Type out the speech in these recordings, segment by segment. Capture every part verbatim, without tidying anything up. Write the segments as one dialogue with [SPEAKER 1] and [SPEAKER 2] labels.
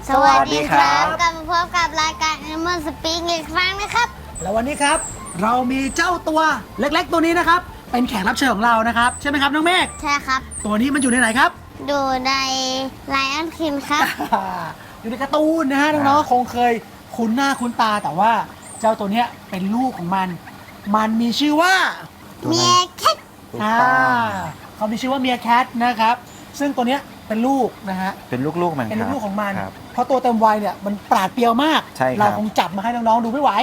[SPEAKER 1] สวัสดีครับกลับมาพบกับรายการ Animal Speak อีกครั้งนะครับ
[SPEAKER 2] แล้ววันนี้ครับเรามีเจ้าตัวเล็กๆตัวนี้นะครับเป็นแขกรับเชิญของเรานะครับใช่ไหมครับน้องเมฆ
[SPEAKER 1] ใช่ครับ
[SPEAKER 2] ตัวนี้มันอยู่ในไหนครับ
[SPEAKER 1] ดูใน Lion King ครับ
[SPEAKER 2] อยู่ในการ์ตูนนะฮะน้องๆคงเคยคุ้นหน้าคุ้นตาแต่ว่าเจ้าตัวนี้เป็นลูกของมันมันมีชื่อว่า
[SPEAKER 1] เมียแคท
[SPEAKER 2] อ่าเขามีชื่อว่าเมียแคทนะครับซึ่งตัวนี้เป็นลูกนะฮะ
[SPEAKER 3] เป็นลูกๆมัน
[SPEAKER 2] เป็นลูกของมัน
[SPEAKER 3] ครับ
[SPEAKER 2] เพราะตัวเต็มวัยเนี่ยมันปราดเปรียวมาก
[SPEAKER 3] ใช่ครับ
[SPEAKER 2] เราคงจับมาให้น้องๆดูไม่ไหว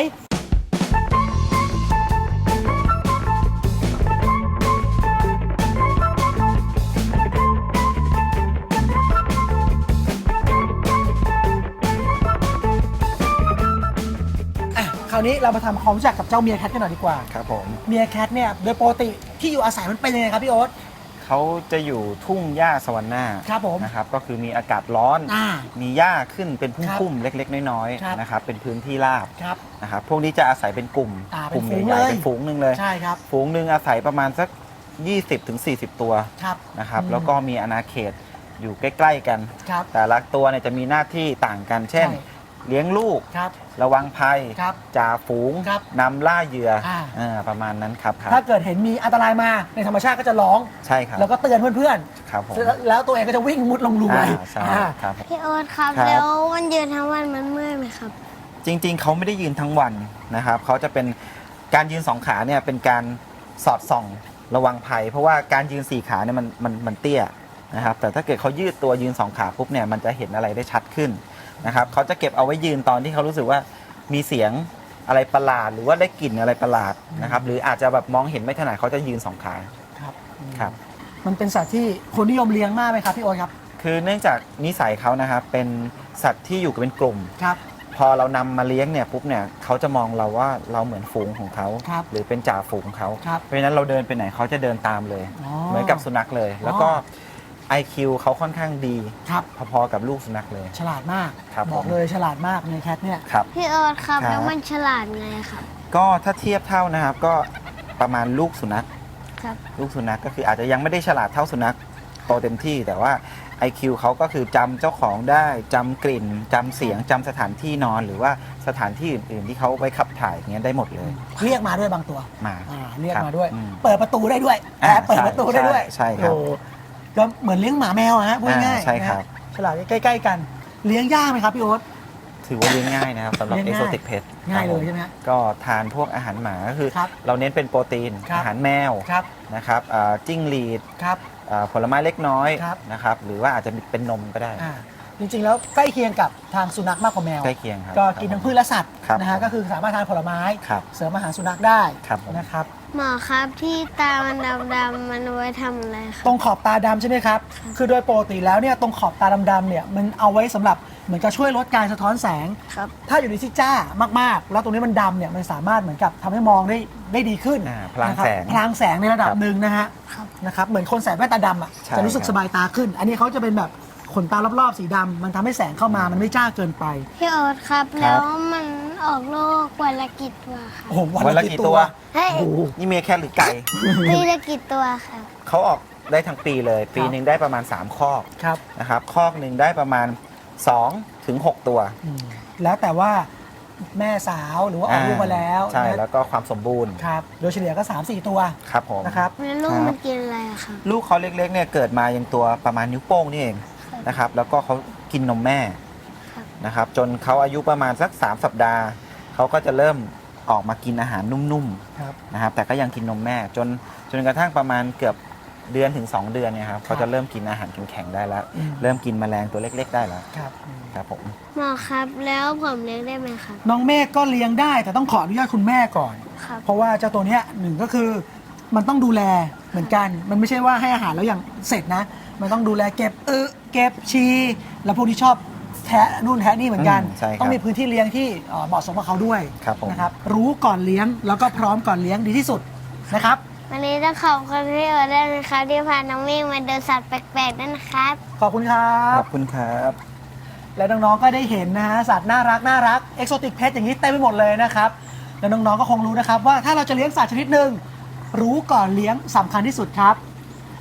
[SPEAKER 2] คราวนี้เรามาทำความรู้จักกับเจ้าเมียแคทกันหน่อยดีกว่า
[SPEAKER 3] ครับผม
[SPEAKER 2] เมียแคทเนี่ยโดยปกติที่อยู่อาศัยมันเป็นยังไงครับพี่โอ๊ต
[SPEAKER 3] เขาจะอยู่ทุ่งหญ้าสวรรค์หน้า
[SPEAKER 2] ครับผม
[SPEAKER 3] นะครับก็คือมีอากาศร้อนมีหญ้าขึ้นเป็นพุ่มๆเล็กๆน้อยๆนะครับเป็นพื้นที่ราบนะครับพวกนี้จะอาศัยเป็นกลุ่ม
[SPEAKER 2] กลุ่ม
[SPEAKER 3] ใหญ่ๆเป็นฝูงหนึ่งเลย
[SPEAKER 2] ใช่ครับ
[SPEAKER 3] ฝูงหนึ่งอาศัยประมาณสัก ยี่สิบถึงสี่สิบ ตัวนะครับแล้วก็มีอาณาเขตอยู่ใกล้ๆกันแต่ละตัวเนี่ยจะมีหน้าที่ต่างกันเช่นเลี้ยงลูกระวังภัยจ่าฝูงนำล่าเหยื่อประมาณนั้นครับ
[SPEAKER 2] ถ้าเกิดเห็นมีอันตรายมาในธรรมชาติก็จะร้อง
[SPEAKER 3] ใช่ครับ
[SPEAKER 2] แล้วก็เตือนเพื่อน
[SPEAKER 3] ๆครับผม
[SPEAKER 2] แล้วตัวเองก็จะวิ่งมุดลงรูไป
[SPEAKER 3] ใช่ครับ
[SPEAKER 1] พี่โอ๊ตครับแล้วมันยืนทั้งวันมันเมื่อยไหมครับ
[SPEAKER 3] จริงๆเขาไม่ได้ยืนทั้งวันนะครับเขาจะเป็นการยืนสองขาเนี่ยเป็นการสอดส่องระวังภัยเพราะว่าการยืนสี่ขาเนี่ยมันมันมันเตี้ยนะครับแต่ถ้าเกิดเขายืดตัวยืนสองขาปุ๊บเนี่ยมันจะเห็นอะไรได้ชัดขึ้นนะครับเขาจะเก็บเอาไว้ยืนตอนที่เขารู้สึกว่ามีเสียงอะไรประหลาดหรือว่าได้กลิ่นอะไรประหลาดนะครับหรืออาจจะแบบมองเห็นไม่ถนัดเขาจะยืนสองขา
[SPEAKER 2] ครับ
[SPEAKER 3] ครับ
[SPEAKER 2] มันเป็นสัตว์ที่คนนิยมเลี้ยงมากไหมครับพี่โอ๊ตครับ
[SPEAKER 3] คือเนื่องจากนิสัยเขานะครับเป็นสัตว์ที่อยู่กันเป็นกลุ่ม
[SPEAKER 2] ครับ
[SPEAKER 3] พอเรานำมาเลี้ยงเนี่ยปุ๊บเนี่ยเขาจะมองเราว่าเราเหมือนฝูงของเขาหรือเป็นจ่าฝูงของเขาเพราะฉะนั้นเราเดินไปไหนเขาจะเดินตามเลยเหมือนกับสุนัขเลยแล้วก็ ไอ คิว เขาค่อนข้างดีพอๆกับลูกสุนัขเลย
[SPEAKER 2] ฉลาดมากบอกเลยฉลาดมากในแคทเนี่ย
[SPEAKER 1] พี่โอ๊ตครับแล้วมันฉลาดไงครับ
[SPEAKER 3] ก็ถ้าเทียบเท่านะครับก็ประมาณลูกสุนัขลูกสุนัขก็คืออาจจะยังไม่ได้ฉลาดเท่าสุนัขโตเต็มที่แต่ว่า ไอ คิว เขาก็คือจำเจ้าของได้จำกลิ่นจำเสียงจำสถานที่นอนหรือว่าสถานที่อื่นๆที่เขาไปขับถ่ายอย่างเงี้ยได้หมดเลย
[SPEAKER 2] เรียกมาด้วยบางตัว
[SPEAKER 3] มา
[SPEAKER 2] เรียกมาด้วยเปิดประตูได้ด้วยแอบเปิดประตูได้ด้วย
[SPEAKER 3] ใช่ครับ
[SPEAKER 2] ก็เหมือนเลี้ยงหมาแมวฮะพูดง่าย
[SPEAKER 3] ใช่ครับ
[SPEAKER 2] ฉลาดใกล้ๆกันเลี้ยงยากไหมครับพี่โอ๊ต
[SPEAKER 3] ถือว่าเลี้ยงง่ายนะครับสำหรับ Exotic Pet
[SPEAKER 2] ง่ายเลยใช่ไหม
[SPEAKER 3] ก็ทานพวกอาหารหมาก็คือเราเน้นเป็นโปรตีนอาหารแมวนะครับจิ้งหรีดผลไม้เล็กน้อยนะครับหรือว่าอาจจะเป็นนมก็ได้
[SPEAKER 2] จริงๆแล้วใกล้เคียงกับทางสุนัขมากกว่าแมว
[SPEAKER 3] ใกล้เคียงครับ
[SPEAKER 2] ก็กินทั้งพืชและสัตว์นะฮะก็คือสามารถทานผลไม้เสริมอาหารสุนัขได้นะครับ
[SPEAKER 1] หมอครับที่ตามันดำๆมันไว้ทำอะไรครับ
[SPEAKER 2] ตรงขอบตาดำใช่ไหมครับคือโดยปกติแล้วเนี่ยตรงขอบตาดำๆเนี่ยมันเอาไว้สำหรับเหมือนกับช่วยลดการสะท้อนแสงถ้าอยู่ในที่จ้ามากๆแล้วตรงนี้มันดำเนี่ยมันสามารถเหมือนกับทำให้มองได้ได้ดีขึ้น
[SPEAKER 3] พลางแสง
[SPEAKER 2] พลางแสงในระดับหนึ่งนะฮะนะครับเหมือนคนใส่แว่นตาดำอ่ะจะรู้สึกสบายตาขึ้นอันนี้เขาจะเป็นแบบขนตารอบๆสีดำมันทำให้แสงเข้ามามันไม่จ้าเกินไป
[SPEAKER 1] พี่โอ๊ตครับแล้วมันออกลูกวันละกี่ตัวคะ
[SPEAKER 2] โอ้โหวันละกี่ตัว
[SPEAKER 3] นี่เมียแค่หรือไก่
[SPEAKER 1] ปีละกี่ตัวครับ
[SPEAKER 3] เขาออกได้ทั้งปีเลยปีหนึ่งได้ประมาณสามคอกนะครับคอกหนึ่งได้ประมาณสองถึงหกตัว
[SPEAKER 2] แล้วแต่ว่าแม่สาวหรือว่าออกลูกมาแล้ว
[SPEAKER 3] ใช่แล้วก็ความสมบูรณ์
[SPEAKER 2] ครับโดยเฉลี่ยก็ สามสี่ ตัว
[SPEAKER 3] ครับผม
[SPEAKER 2] นะครับ
[SPEAKER 1] แล้วลูกมันกินอะไรครับ
[SPEAKER 3] ลูกเขาเล็กๆเนี่ยเกิดมายังตัวประมาณนิ้วโป้งนี่เองนะครับแล้วก็เขากินนมแม่นะครับจนเขาอายุประมาณสักสามสัปดาห์เขาก็จะเริ่มออกมากินอาหารนุ่มๆนะครับแต่ก็ยังกินนมแม่จนจนกระทั่งประมาณเกือบเดือนถึงสองเดือนเนี่ยครับเขาจะเริ่มกินอาหารแข็งๆได้แล้วเริ่มกินแมลงตัวเล็กๆได้แล้ว
[SPEAKER 2] ครับ
[SPEAKER 3] ครับผม
[SPEAKER 1] หมอครับแล้วผมเลี้ยงได้ไหมครับ
[SPEAKER 2] น้องเมฆก็เลี้ยงได้แต่ต้องขออนุญาตคุณแม่ก่อนเพราะว่าเจ้าตัวเนี้ยหนึ่งก็คือมันต้องดูแลเหมือนกันมันไม่ใช่ว่าให้อาหารแล้วอย่างเสร็จนะมันต้องดูแลเก็บเออเก็บชีแล้วพวกที่ชอบแทะนู่นแทะนี่เหมือนกันต้องมีพื้นที่เลี้ยงที่เหมาะสมกับเขาด้วยนะครับรู้ก่อนเลี้ยงแล้วก็พร้อมก่อนเลี้ยงดีที่สุดนะครับ
[SPEAKER 1] วันนี้ต้องขอบคุณพี่โอ๊ตด้วยนะครับที่พาน้องเมฆมาเดินสัตว์แปลกๆด้วยนะครับ
[SPEAKER 2] ขอบคุณครับ
[SPEAKER 3] ขอบคุณครับ
[SPEAKER 2] และน้องๆก็ได้เห็นนะฮะสัตว์น่ารักน่ารักเอ็กโซติกเพทอย่างนี้เต็มไปหมดเลยนะครับแล้วน้องๆก็คงรู้นะครับว่าถ้าเราจะเลี้ยงสัตว์ชนิดหนึ่งรู้ก่อนเลี้ยงสำคัญที่สุดครับ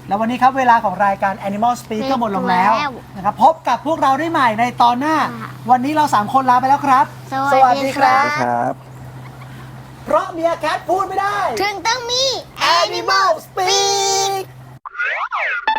[SPEAKER 2] แล้ววันนี้ครับเวลาของรายการ Animal Speak ก็หมดลงแล้วนะครับพบกับพวกเราได้ใหม่ในตอนหน้า วันนี้เราสามคนลาไปแล้วครับ
[SPEAKER 1] สวัสดีครับ
[SPEAKER 3] ครับ
[SPEAKER 2] เพราะเมียแคทพูดไม่ได้
[SPEAKER 1] ถึงต้องมี
[SPEAKER 2] Animal Speak